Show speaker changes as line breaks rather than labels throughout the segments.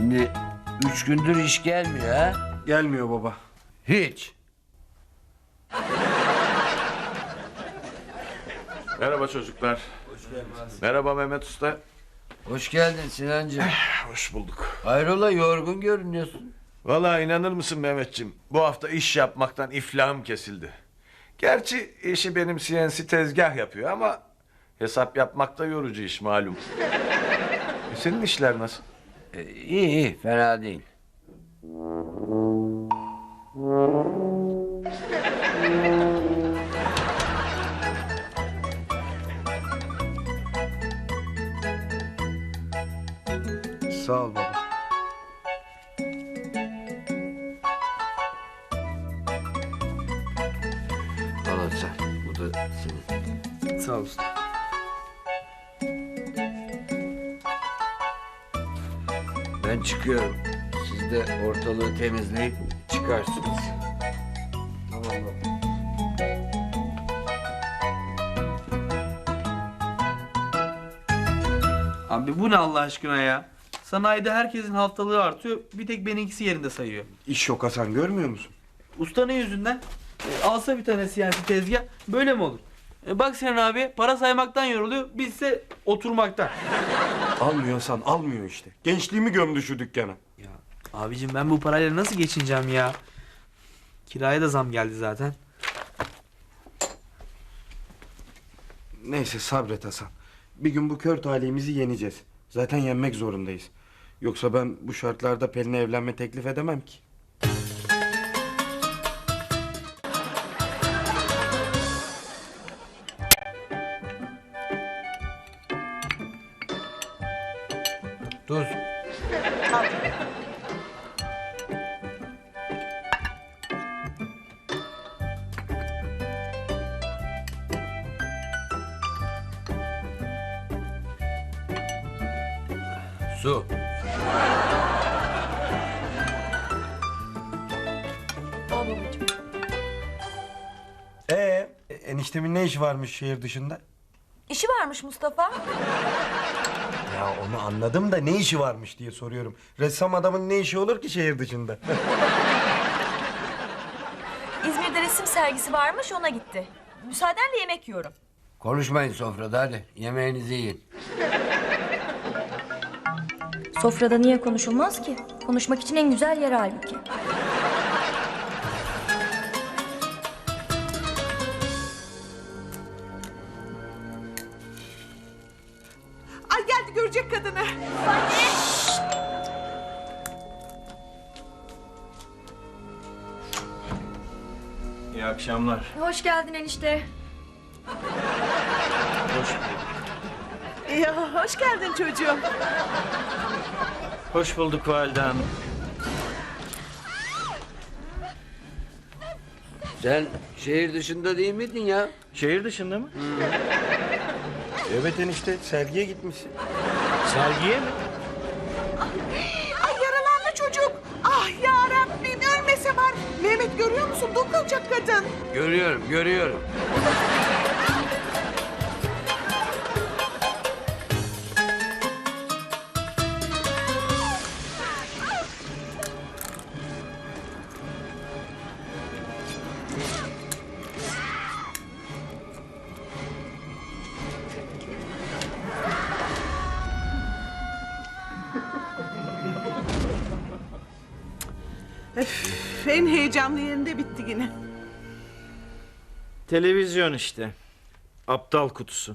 Şimdi 3 gündür iş gelmiyor ha?
Gelmiyor baba.
Hiç.
Merhaba çocuklar. Merhaba Mehmet Usta.
Hoş geldin Sinancığım.
Hoş bulduk.
Hayrola yorgun görünüyorsun.
Vallahi inanır mısın Mehmetciğim? Bu hafta iş yapmaktan iflahım kesildi. Gerçi işi benim CNC tezgah yapıyor ama hesap yapmak da yorucu iş malum. Senin işler nasıl?
İyi iyi fena değil.
Sağ ol baba.
Al hadi sen. Bu da senin.
Sağ ol usta.
Ben çıkıyorum. Siz de ortalığı temizleyip çıkarsınız.
Tamam baba.
Abi bu ne Allah aşkına ya? Sanayide herkesin haftalığı artıyor. Bir tek benimkisi yerinde sayıyor.
İş yok Hasan, görmüyor musun?
Usta ne yüzünden? Alsa bir tane CNC tezgah böyle mi olur? Bak Sinan abi para saymaktan yoruluyor. Bizse oturmaktan.
Almıyor Hasan, almıyor işte. Gençliğimi gömdü şu dükkana.
Ya abicim ben bu parayla nasıl geçineceğim ya? Kiraya da zam geldi zaten.
Neyse sabret Hasan. Bir gün bu kör talihimizi yeneceğiz. Zaten yenmek zorundayız. Yoksa ben bu şartlarda Pelin'e evlenme teklif edemem ki.
Tuz. Su.
Eniştemin ne işi varmış şehir dışında?
İşi varmış Mustafa.
Ya onu anladım da ne işi varmış diye soruyorum. Ressam adamın ne işi olur ki şehir dışında?
İzmir'de resim sergisi varmış, ona gitti. Müsaadenle yemek yiyorum.
Konuşmayın sofrada hadi. Yemeğinizi yiyin.
Sofrada niye konuşulmaz ki? Konuşmak için en güzel yer halbuki.
Ay geldi, görecek kadını.
İyi akşamlar.
Hoş geldin enişte.
Ya hoş geldin çocuğum.
Hoş bulduk valide hanım.
Sen şehir dışında değil miydin ya?
Şehir dışında mı?
Evet enişte, sergiye gitmişsin.
Sergiye mi?
Ay yaralandı çocuk. Ah ya Rabbim, ölmese var. Mehmet görüyor musun? Dokunacak kadın.
Görüyorum, görüyorum.
En heyecanlı yerinde bitti yine.
Televizyon işte. Aptal kutusu.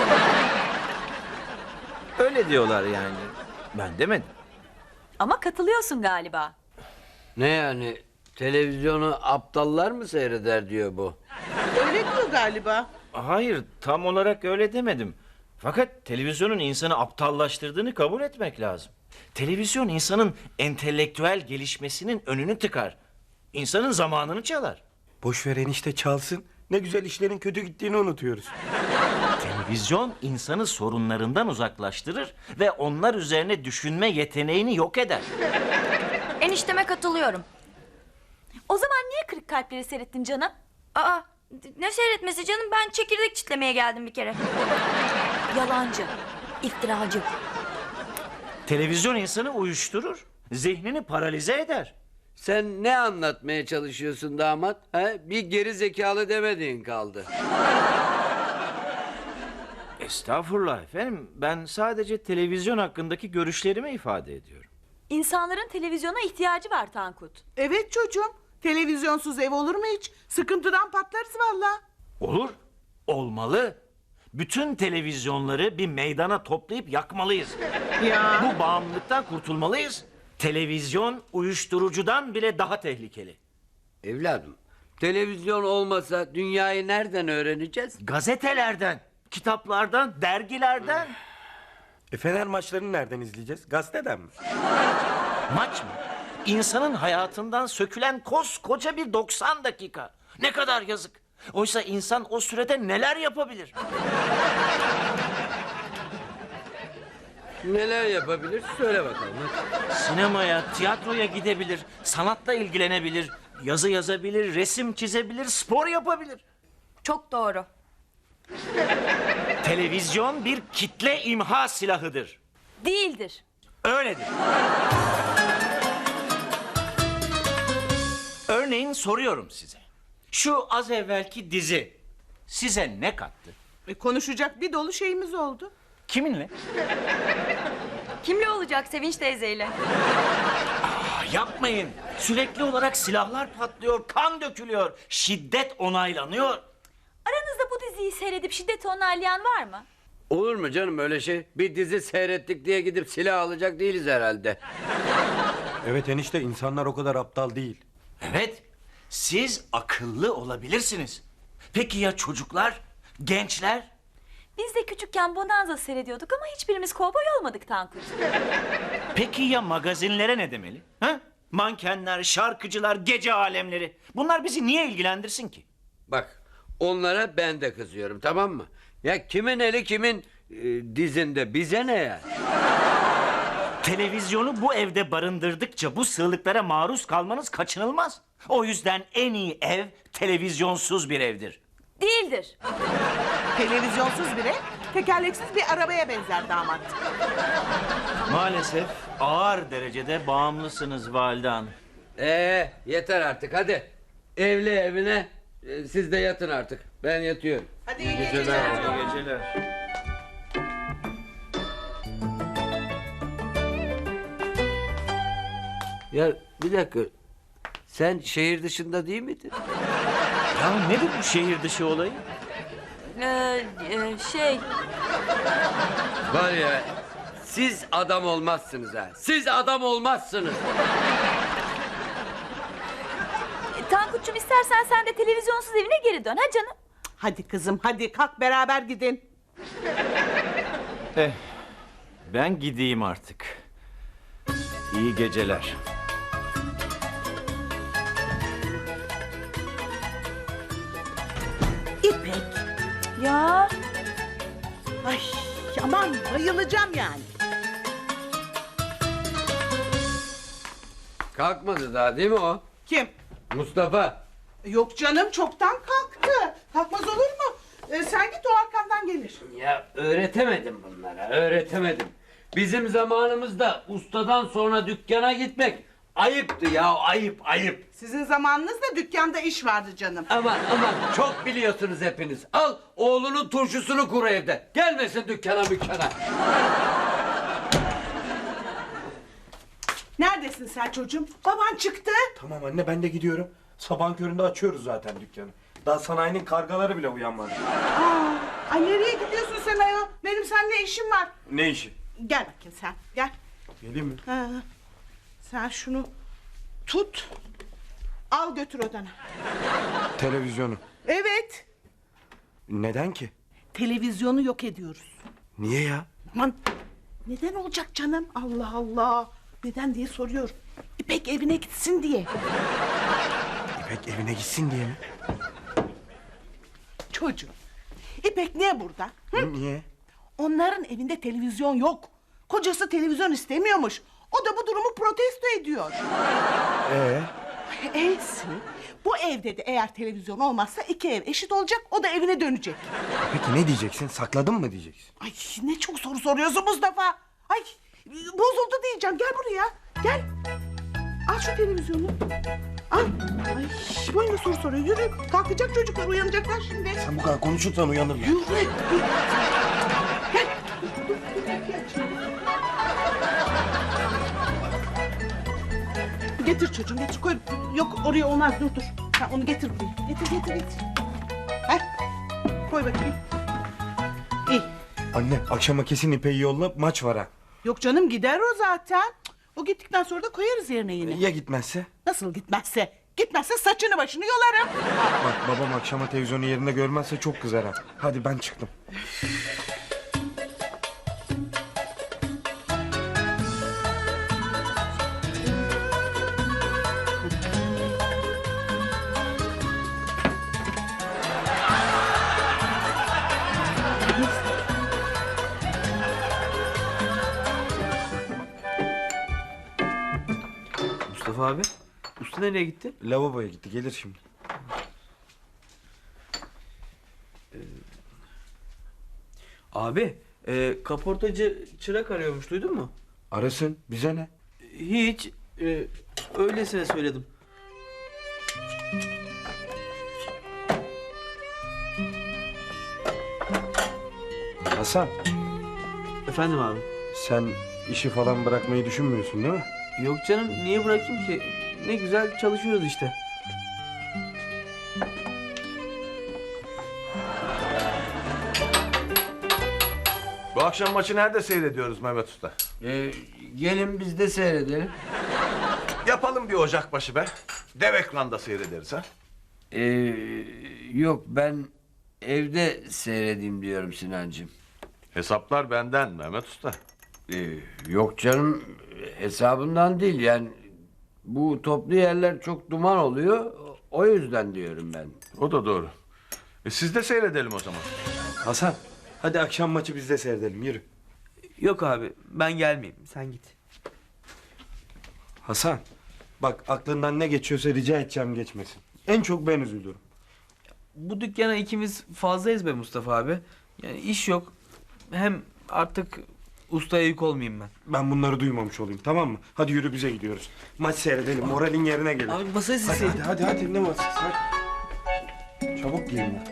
Öyle diyorlar yani. Ben demedim.
Ama katılıyorsun galiba.
Ne yani? Televizyonu aptallar mı seyreder diyor bu.
Öyle diyor galiba.
Hayır, tam olarak öyle demedim. Fakat televizyonun insanı aptallaştırdığını kabul etmek lazım. Televizyon insanın entelektüel gelişmesinin önünü tıkar. İnsanın zamanını çalar.
Boş ver enişte, çalsın. Ne güzel işlerin kötü gittiğini unutuyoruz.
Televizyon insanı sorunlarından uzaklaştırır ve onlar üzerine düşünme yeteneğini yok eder.
Enişteme katılıyorum.
O zaman niye kırık kalpleri seyrettin canım?
Aa, ne seyretmesi canım? Ben çekirdek çitlemeye geldim bir kere.
Yalancı, iftiracı.
Televizyon insanı uyuşturur zihnini paralize eder.
Sen ne anlatmaya çalışıyorsun damat? He? Bir geri zekalı demediğin kaldı.
Estağfurullah efendim. Ben sadece televizyon hakkındaki görüşlerimi ifade ediyorum.
İnsanların televizyona ihtiyacı var Tankut.
Evet çocuğum. Televizyonsuz ev olur mu hiç? Sıkıntıdan patlarız valla.
Olur, olmalı. Bütün televizyonları bir meydana toplayıp yakmalıyız.
Ya.
Bu bağımlılıktan kurtulmalıyız. Televizyon uyuşturucudan bile daha tehlikeli.
Evladım, televizyon olmasa dünyayı nereden öğreneceğiz?
Gazetelerden, kitaplardan, dergilerden.
Fener maçlarını nereden izleyeceğiz? Gazeteden mi?
Maç mı? İnsanın hayatından sökülen koskoca bir 90 dakika. Ne kadar yazık. Oysa insan o sürede neler yapabilir?
Neler yapabilir? Söyle bakalım. hadi.
Sinemaya, tiyatroya gidebilir, sanatla ilgilenebilir, yazı yazabilir, resim çizebilir, spor yapabilir.
Çok doğru.
Televizyon bir kitle imha silahıdır.
Değildir.
Öyledir. Örneğin soruyorum size. Şu az evvelki dizi size ne kattı?
Konuşacak bir dolu şeyimiz oldu.
Kiminle?
Kimle olacak Sevinç teyzeyle?
Yapmayın. Sürekli olarak silahlar patlıyor, kan dökülüyor, şiddet onaylanıyor.
Aranızda bu diziyi seyredip şiddeti onaylayan var mı?
Olur mu canım öyle şey? Bir dizi seyrettik diye gidip silah alacak değiliz herhalde.
Evet enişte, insanlar o kadar aptal değil.
Evet, siz akıllı olabilirsiniz. Peki ya çocuklar, gençler?
Biz de küçükken Bonanza seyrediyorduk ama hiçbirimiz kovboy olmadık Tankut.
Peki ya magazinlere ne demeli? Ha? Mankenler, şarkıcılar, gece alemleri. Bunlar bizi niye ilgilendirsin ki?
Bak, onlara ben de kızıyorum, tamam mı? Ya kimin eli kimin dizinde, bize ne ya?
Televizyonu bu evde barındırdıkça bu sığlıklara maruz kalmanız kaçınılmaz. O yüzden en iyi ev televizyonsuz bir evdir.
Değildir.
Televizyonsuz bile tekerleksiz bir arabaya benzer damat.
Maalesef ağır derecede bağımlısınız Valide Hanım.
Yeter artık, hadi. Evli evine, siz de yatın artık. Ben yatıyorum.
Hadi iyi geceler.
İyi geceler.
Ya bir dakika, sen şehir dışında değil miydin?
Ya nedir bu şehir dışı olayı?
Şey...
Var ya, siz adam olmazsınız ha. Siz adam olmazsınız.
Tankut'cum istersen sen de televizyonsuz evine geri dön ha canım.
Hadi kızım hadi kalk beraber gidin.
Ben gideyim artık. İyi geceler.
İpek.
Ya
Ay aman bayılacağım yani.
Kalkmadı daha değil mi o?
Kim?
Mustafa.
Yok canım çoktan kalktı. Kalkmaz olur mu? Sen git o arkandan gelir.
Ya öğretemedim bunlara, öğretemedim. Bizim zamanımızda ustadan sonra dükkana gitmek ayıptı ya, ayıp, ayıp.
Sizin zamanınızda dükkanda iş vardı canım.
Aman aman, çok biliyorsunuz hepiniz. Al oğlunun turşusunu kur evde. Gelmesin dükkana mükkana.
Neredesin sen çocuğum? Baban çıktı.
Tamam anne, ben de gidiyorum. Sabahın köründe açıyoruz zaten dükkanı. Daha sanayinin kargaları bile uyanmadı.
Ay nereye gidiyorsun sen ayol? Benim seninle işim var.
Ne işi?
Gel bakayım sen gel.
Geleyim mi?
Ha, sen şunu tut. Al götür odana.
Televizyonu.
Evet.
Neden ki?
Televizyonu yok ediyoruz.
Niye ya?
Aman neden olacak canım? Allah Allah. Neden diye soruyorum. İpek evine gitsin diye.
İpek evine gitsin diye mi?
Çocuğum. İpek niye burada? Hı?
Niye?
Onların evinde televizyon yok. Kocası televizyon istemiyormuş. O da bu durumu protesto ediyor. Eysi. Bu evde de eğer televizyon olmazsa iki ev eşit olacak. O da evine dönecek.
Peki ne diyeceksin? Sakladın mı diyeceksin?
Ay ne çok soru soruyorsun Mustafa. Ay bozuldu diyeceğim. Gel buraya. Gel. şu televizyonu. Al. Ay, boyuna soru soruyor. Yürü. Kalkacak çocuklar, uyanacaklar şimdi.
Sen bu kadar konuşursan uyanırlar.
Yürü. Getir çocuğum, getir koy. Yok oraya olmaz, dur. Ha, onu getir buraya. Getir. Heh. Koy bakayım. İyi.
Anne akşama kesin İpek'i yolla, maç var ha.
Yok canım, gider o zaten. O gittikten sonra da koyarız yerine yine.
Ya gitmezse?
Nasıl gitmezse? Gitmezse saçını başını yolarım.
Bak babam akşama televizyonu yerinde görmezse çok kızar ha. Hadi ben çıktım.
Mustafa abi. Usta nereye gitti?
Lavaboya gitti, gelir şimdi.
Abi kaportacı çırak arıyormuş, duydun mu?
Arasın, bize ne?
Hiç. Öylesine söyledim.
Hasan,
Efendim abi.
sen işi falan bırakmayı düşünmüyorsun değil mi?
Yok canım, niye bırakayım ki? Ne güzel çalışıyoruz işte.
Bu akşam maçı nerede seyrediyoruz Mehmet Usta?
Gelin biz de seyredelim.
Yapalım bir ocakbaşı be. Dev ekranda seyrederiz ha.
Yok ben evde seyredeyim diyorum Sinancığım.
Hesaplar benden Mehmet Usta.
Yok canım hesabından değil yani bu toplu yerler çok duman oluyor o yüzden diyorum ben.
O da doğru. Siz de seyredelim o zaman.
Hasan, hadi akşam maçı biz de seyredelim, yürü.
Yok abi, ben gelmeyeyim, sen git.
Hasan, bak aklından ne geçiyorsa rica edeceğim geçmesin. En çok ben üzülürüm.
Bu dükkana ikimiz fazlayız be Mustafa abi. Yani iş yok. Hem artık ustaya yük olmayayım ben.
Ben bunları duymamış olayım, tamam mı? Hadi yürü, bize gidiyoruz. Maç seyredelim, moralin yerine gelir.
Abi masayı
Hadi
silseydin.
hadi ne masası, hadi. Çabuk giyin ya.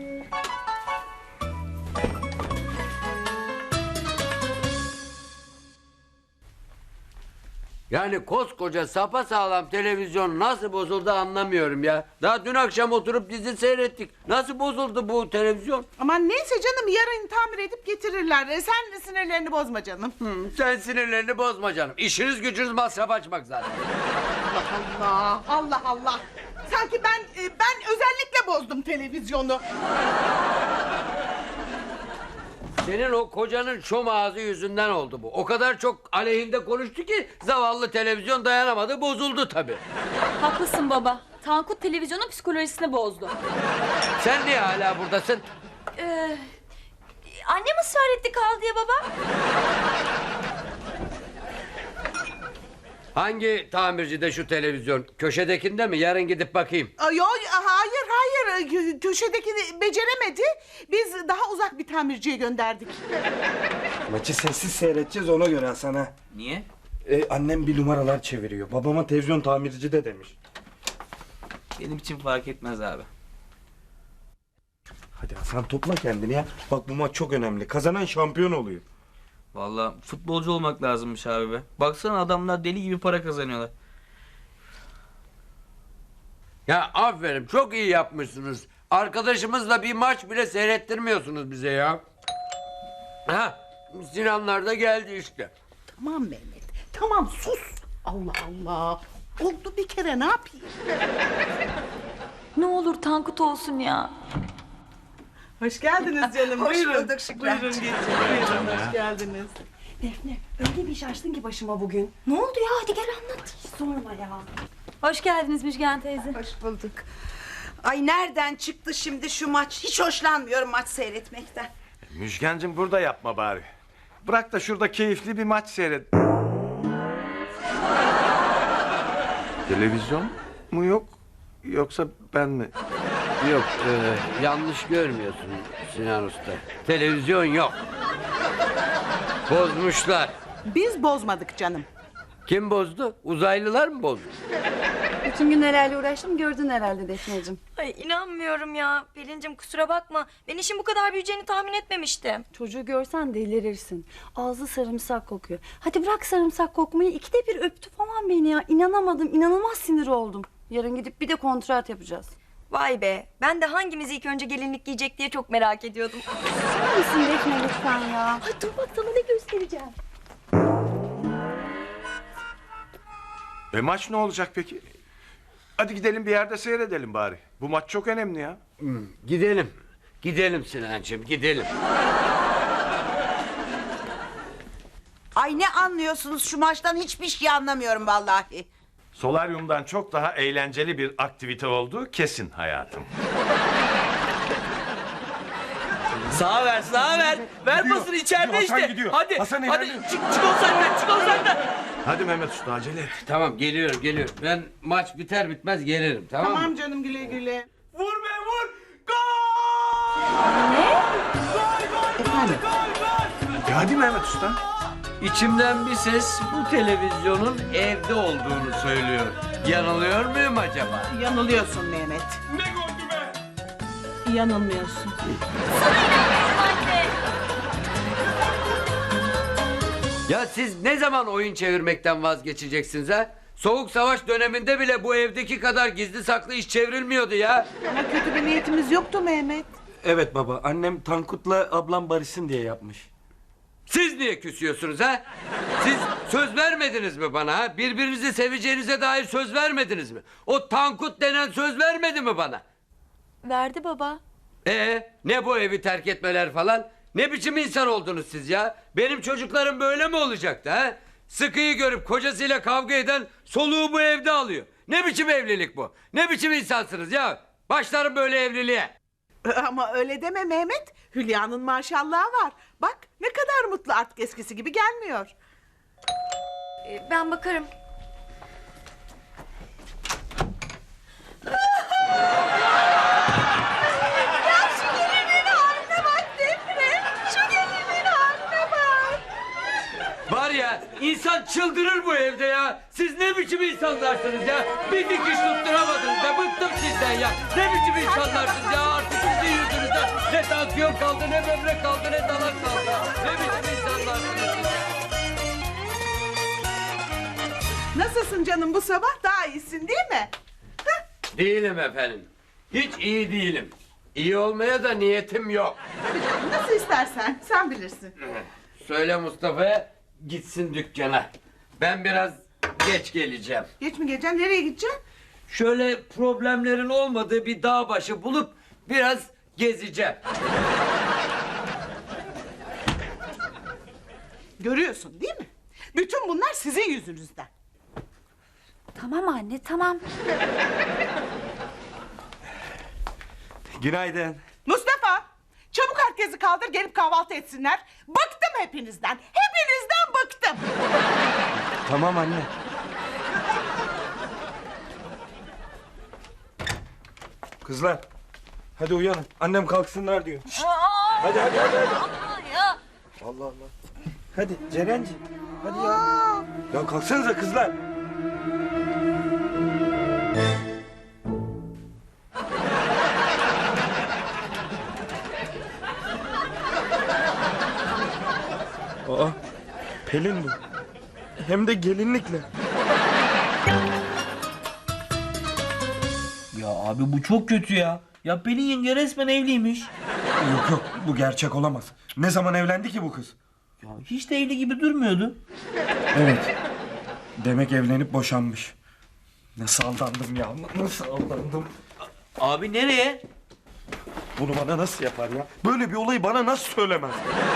Yani koskoca sapasağlam televizyon nasıl bozuldu anlamıyorum ya. Daha dün akşam oturup dizi seyrettik. Nasıl bozuldu bu televizyon?
Aman neyse canım, yarın tamir edip getirirler. Sen de sinirlerini bozma canım.
Sen sinirlerini bozma canım. İşiniz gücünüz masraf açmak zaten.
Allah. Sanki ben özellikle bozdum televizyonu.
Senin o kocanın şom ağzı yüzünden oldu bu. O kadar çok aleyhinde konuştu ki zavallı televizyon dayanamadı, bozuldu tabii.
Haklısın baba. Tankut televizyonun psikolojisini bozdu.
Sen niye hala buradasın?
Annem ısrar etti kal diye baba.
Hangi tamircide şu televizyon? Köşedekinde mi? Yarın gidip bakayım.
Yok hayır. Köşedeki beceremedi. Biz daha uzak bir tamirciye gönderdik.
Maçı sessiz seyredeceğiz, ona göre Hasan ha.
Niye?
Annem bir numaralar çeviriyor. Babama televizyon tamirci de demiş.
Benim için fark etmez abi.
Hadi Hasan, topla kendini ya. Bak bu maç çok önemli. Kazanan şampiyon oluyor.
Vallahi futbolcu olmak lazımmış abi be. Baksana adamlar deli gibi para kazanıyorlar.
Ya aferin, çok iyi yapmışsınız. Arkadaşımızla bir maç bile seyrettirmiyorsunuz bize ya. Ha, Sinanlar da geldi işte.
Tamam Mehmet. Tamam sus. Allah. Oldu bir kere, ne yapayım?
Ne olur Tankut olsun ya.
Hoş geldiniz canım.
Hoş
Buyurun.
bulduk Şükran.
Buyurun geçin. Buyurun, hoş geldiniz.
Defne öyle bir iş açtın ki başıma bugün. Ne oldu ya, hadi gel anlat. Hiç sorma ya.
Hoş geldiniz Müjgan teyze.
Hoş bulduk. Ay nereden çıktı şimdi şu maç? Hiç hoşlanmıyorum maç seyretmekten.
Müjgancığım burada yapma bari. Bırak da şurada keyifli bir maç seyret. Televizyon mu yok? Yoksa ben mi?
Yok, yanlış görmüyorsun Sinan Usta. Televizyon yok. Bozmuşlar.
Biz bozmadık canım.
Kim bozdu? Uzaylılar mı bozdu?
Bütün gün nelerle uğraştım gördün herhalde Defneciğim.
Ay inanmıyorum ya. Pelin'cim kusura bakma. Ben işin bu kadar büyüyeceğini tahmin etmemiştim.
Çocuğu görsen delirirsin. Ağzı sarımsak kokuyor. Hadi bırak sarımsak kokmayı, 2'de 1 öptü falan beni ya. İnanamadım, inanılmaz sinir oldum. Yarın gidip bir de kontrat yapacağız.
Vay be. Ben de hangimiz ilk önce gelinlik giyecek diye çok merak ediyordum.
Var mısın Defne lütfen ya? Ay dur bak sana ne göstereceğim.
Maç ne olacak peki? Hadi gidelim bir yerde seyredelim bari. Bu maç çok önemli ya.
Gidelim. Gidelim Sinancığım, gidelim.
Ay ne anlıyorsunuz şu maçtan, hiçbir şey anlamıyorum vallahi.
Solaryumdan çok daha eğlenceli bir aktivite olduğu kesin hayatım.
Sağa ver, sağa ver. Ver pasını içeride
Gidiyor,
işte.
Hasan gidiyor.
Hadi,
Hasan
hadi
ilerliyor.
çık ol senden, çık ol senden.
Hadi Mehmet Usta acele et.
Tamam, geliyorum. Ben maç biter bitmez gelirim, tamam mı?
Tamam canım, güle güle.
Vur be vur. Gol!
Efendim?
Hadi Mehmet Usta.
İçimden bir ses bu televizyonun evde olduğunu söylüyor. Yanılıyor muyum acaba?
Yanılıyorsun Mehmet.
Ne goldü be?
Yanılmıyorsun.
Anne.
Ya siz ne zaman oyun çevirmekten vazgeçeceksiniz ha? Soğuk savaş döneminde bile bu evdeki kadar gizli saklı iş çevrilmiyordu ya.
Ama kötü bir niyetimiz yoktu Mehmet.
Evet baba, annem Tankut'la ablam barışsın diye yapmış.
Siz niye küsüyorsunuz ha? Siz söz vermediniz mi bana ha? Birbirinizi seveceğinize dair söz vermediniz mi? O Tankut denen söz vermedi mi bana?
Verdi baba.
Ne bu evi terk etmeler falan? Ne biçim insan oldunuz siz ya? Benim çocuklarım böyle mi olacaktı ha? Sıkıyı görüp kocasıyla kavga eden soluğu bu evde alıyor. Ne biçim evlilik bu? Ne biçim insansınız ya? Başlarım böyle evliliğe.
Ama öyle deme Mehmet. Hülya'nın maşallahı var. Bak ne kadar mutlu, artık eskisi gibi gelmiyor.
Ben bakarım.
Var ya, insan çıldırır bu evde ya. Siz ne biçim insanlarsınız ya? Bir dikiş tutturamadınız be, bıktım sizden ya. Ne biçim insanlarsınız ya, artık sizin yüzünüzden. Ne tansiyon kaldı, ne böbrek kaldı, ne dalak kaldı. Ne biçim insanlarsınız siz?
Nasılsın canım bu sabah? Daha iyisin değil mi?
Değilim efendim. Hiç iyi değilim. İyi olmaya da niyetim yok.
Nasıl istersen, sen bilirsin.
Söyle Mustafa'ya gitsin dükkana. Ben biraz geç geleceğim.
Geç mi geleceksin? Nereye gideceksin?
Şöyle problemlerin olmadığı bir dağ başı bulup biraz gezeceğim.
Görüyorsun değil mi? Bütün bunlar sizin yüzünüzden.
Tamam anne, tamam.
Günaydın.
Mustafa! Çabuk herkesi kaldır, gelip kahvaltı etsinler. Bıktım hepinizden. Hepinizden bıktım.
Tamam anne. Kızlar, hadi uyanın. Annem kalksınlar diyor. Hadi.
Ya.
Allah Allah. Hadi Cerenci. Hadi ya. Ya kalksanıza kızlar. Aa, Pelin bu. Hem de gelinlikle.
Ya abi bu çok kötü ya. Ya Pelin yenge resmen evliymiş.
Yok, bu gerçek olamaz. Ne zaman evlendi ki bu kız?
Ya hiç de evli gibi durmuyordu.
Evet. Demek evlenip boşanmış. Nasıl aldandım ya? Nasıl aldandım?
Abi nereye?
Bunu bana nasıl yapar ya? Böyle bir olayı bana nasıl söylemez?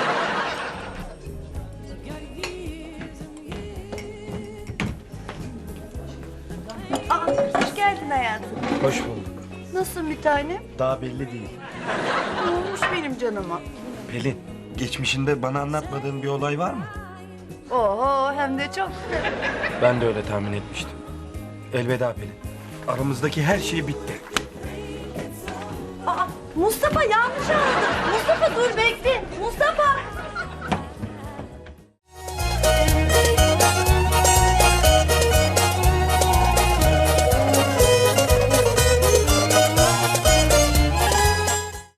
Hoş geldin hayatım.
Hoş bulduk.
Nasılsın bir tanem?
Daha belli değil.
Ne olmuş benim canıma?
Pelin, geçmişinde bana anlatmadığın bir olay var mı?
Oho, hem de çok.
Ben de öyle tahmin etmiştim. Elveda Pelin. Aramızdaki her şey bitti.
Aa, Mustafa yanlış anladın. Mustafa dur bekle. Mustafa.